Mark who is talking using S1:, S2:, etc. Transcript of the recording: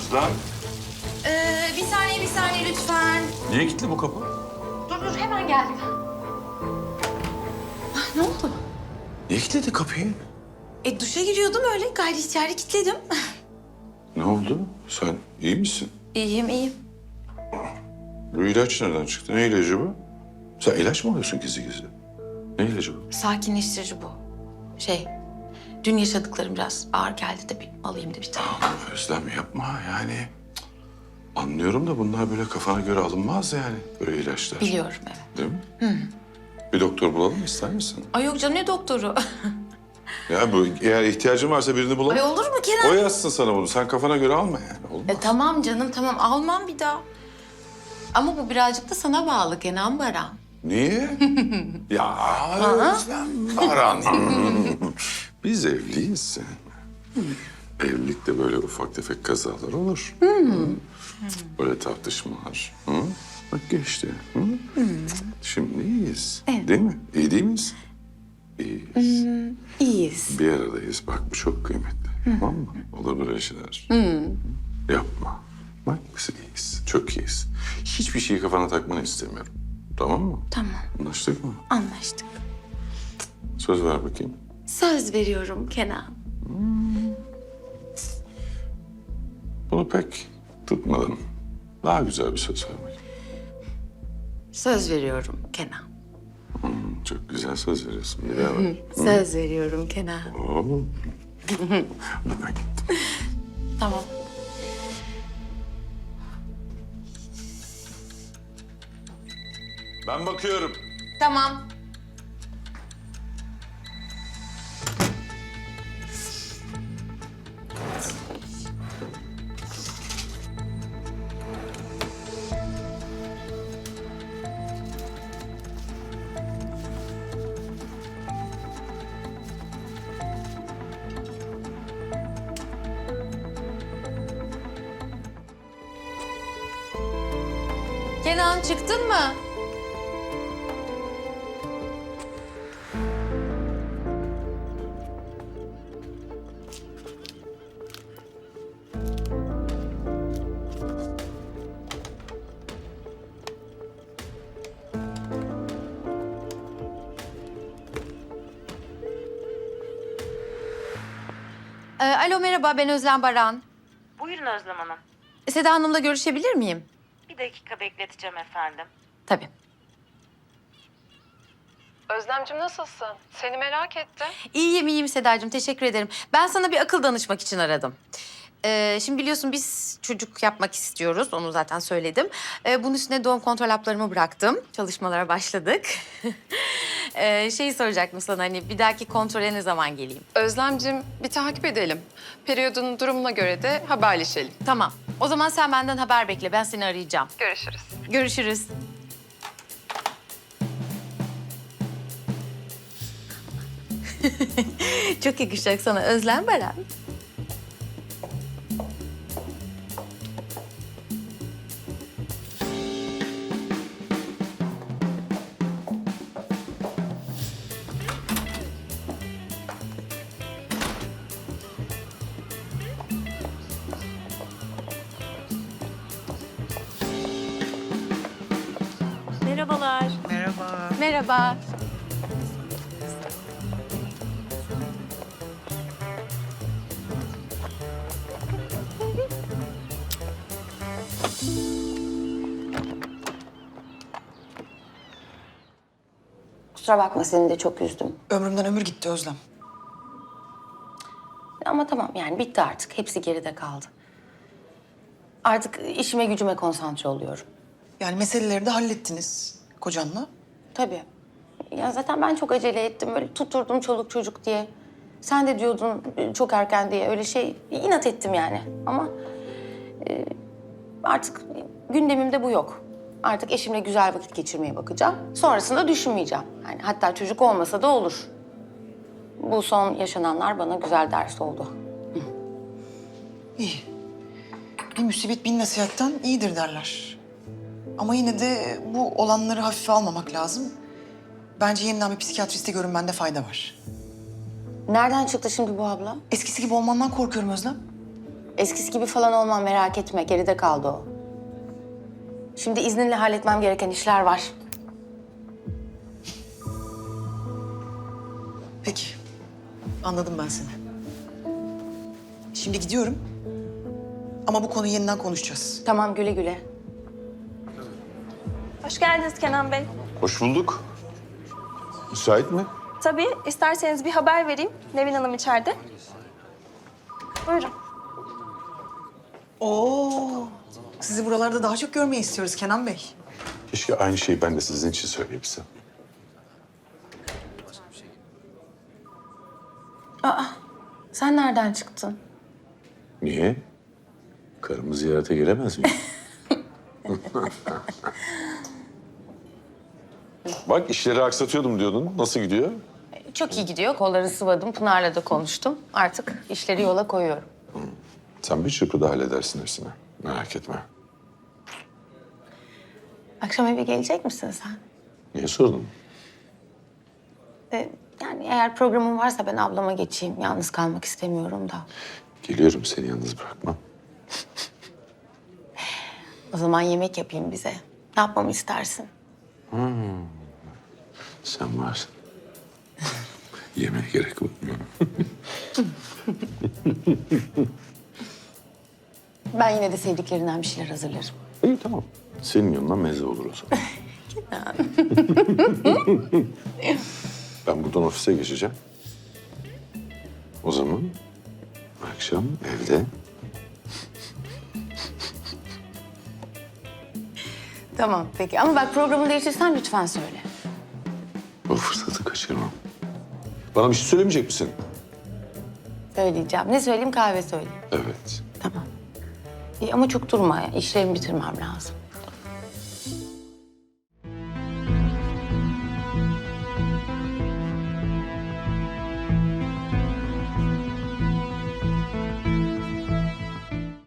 S1: Özlem.
S2: Bir saniye lütfen.
S1: Niye kilitli bu kapı?
S2: Dur hemen geldim. Ne oldu?
S1: Niye kilitledi kapıyı?
S2: Duşa giriyordum öyle gayri ihtiyari kilitledim.
S1: Ne oldu? Sen iyi misin?
S2: İyiyim.
S1: Bu ilaç nereden çıktı? Ne ilacı bu? Sen ilaç mı alıyorsun gizli gizli? Ne ilacı bu?
S2: Sakinleştirici bu. Dün yaşadıklarım biraz ağır geldi de bir alayım da bir tane.
S1: Özlem yapma yani. Anlıyorum da bunlar böyle kafana göre alınmaz yani. Böyle ilaçlar.
S2: Biliyorum evet.
S1: Değil mi? Bir doktor bulalım mı, ister misin?
S2: Ay yok canım ne doktoru?
S1: Ya bu eğer ihtiyacın varsa birini bulalım.
S2: Ay olur mu Kenan?
S1: O yazsın sana bunu. Sen kafana göre alma yani. Olmaz.
S2: Tamam canım tamam almam bir daha. Ama bu birazcık da sana bağlı Kenan Baran.
S1: Niye? Ya Özlem Baran. Biz evliyiz. Evlilikte böyle ufak tefek kazalar olur. Böyle tartışmalar. Hı? Bak geçti. Hı? Şimdi iyiyiz.
S2: Evet.
S1: Değil mi? İyi değil miyiz? İyiyiz.
S2: İyiyiz.
S1: Bir aradayız. Bak bu çok kıymetli. Tamam mı? Olur böyle şeyler. Yapma. Bak biz iyiyiz. Çok iyiyiz. Hiçbir şeyi kafana takmanı istemiyorum. Tamam mı?
S2: Tamam
S1: Anlaştık mı?
S2: anlaştık.
S1: Söz ver bakayım.
S2: Söz veriyorum Kenan.
S1: Bunu pek tutmadım. Daha güzel bir söz ver bakayım.
S2: Söz veriyorum Kenan.
S1: Çok güzel söz veriyorsun. Bir daha ver.
S2: Söz veriyorum Kenan.
S1: Oo. Bana gittim.
S2: Tamam.
S1: Ben bakıyorum.
S2: Tamam. Kenan çıktın mı? Alo merhaba ben Özlem Baran.
S3: Buyurun Özlem Hanım.
S2: Seda Hanım'la görüşebilir miyim?
S3: Bir dakika bekleteceğim efendim.
S2: Tabii.
S4: Özlemciğim nasılsın? Seni merak ettim.
S2: İyiyim Sedacığım teşekkür ederim. Ben sana bir akıl danışmak için aradım. Şimdi biliyorsun biz çocuk yapmak istiyoruz. Onu zaten söyledim. Bunun üstüne doğum kontrol haplarımı bıraktım. Çalışmalara başladık. Şeyi soracaktım sana hani bir dahaki kontrole ne zaman geleyim?
S4: Özlemciğim bir takip edelim. Periyodun durumuna göre de haberleşelim.
S2: Tamam. O zaman sen benden haber bekle. Ben seni arayacağım.
S4: Görüşürüz.
S2: Görüşürüz. Çok yakışacak sana Özlem Baran.
S3: Merhabalar.
S2: Merhaba. Kusura bakma seni de çok üzdüm.
S5: Ömrümden ömür gitti Özlem.
S2: Ama tamam yani bitti artık. Hepsi geride kaldı. Artık işime gücüme konsantre oluyorum.
S5: Yani meseleleri de hallettiniz kocanla.
S2: Tabii. Ya zaten ben çok acele ettim. Böyle tutturdum çoluk çocuk diye. Sen de diyordun çok erken diye. Öyle inat ettim yani. Ama artık gündemimde bu yok. Artık eşimle güzel vakit geçirmeye bakacağım. Sonrasında düşünmeyeceğim. Yani hatta çocuk olmasa da olur. Bu son yaşananlar bana güzel ders oldu.
S5: İyi. Bir musibet bin nasihatten iyidir derler. Ama yine de bu olanları hafife almamak lazım. Bence yeniden bir psikiyatriste görünmende fayda var.
S2: Nereden çıktı şimdi bu abla?
S5: Eskisi gibi olmandan korkuyorum Özlem.
S2: Eskisi gibi falan olmam, merak etme. Geride kaldı o. Şimdi izninle halletmem gereken işler var.
S5: Peki. Anladım ben seni. Şimdi gidiyorum. Ama bu konuyu yeniden konuşacağız.
S2: Tamam, güle güle.
S6: Hoş geldiniz Kenan Bey.
S1: Hoş bulduk. Müsait mi?
S6: Tabii, isterseniz bir haber vereyim. Nevin Hanım içeride. Buyurun.
S5: Oo. Sizi buralarda daha çok görmeyi istiyoruz Kenan Bey.
S1: Keşke aynı şeyi ben de sizin için söyleyebilsem.
S2: Sen nereden çıktın?
S1: Niye? Karımı ziyarete gelemez miyim? Bak işleri aksatıyordum diyordun. Nasıl gidiyor?
S2: Çok iyi gidiyor. Kolları sıvadım. Pınar'la da konuştum. Artık işleri yola koyuyorum.
S1: Sen bir çırpıda halledersin hepsini. Merak etme.
S2: Akşam eve gelecek misin sen?
S1: Niye sordun?
S2: Yani eğer programın varsa ben ablama geçeyim. Yalnız kalmak istemiyorum da.
S1: Geliyorum, seni yalnız bırakmam.
S2: O zaman yemek yapayım bize. Ne yapmamı istersin?
S1: Sen varsın. Yemeğe gerek yok.
S2: Ben yine de sevdiklerinden bir şeyler hazırlarım.
S1: İyi tamam. Senin yanından meze olur o zaman. Ben buradan ofise geçeceğim. O zaman akşam evde
S2: Tamam peki ama bak programı değiştirsen lütfen söyle.
S1: o fırsatı kaçırmam. Bana bir şey söylemeyecek misin?
S2: Söyleyeceğim. Ne söyleyeyim, kahve söyleyeyim.
S1: Evet.
S2: Tamam. İyi ama çok durma ya. İşlerimi bitirmem lazım.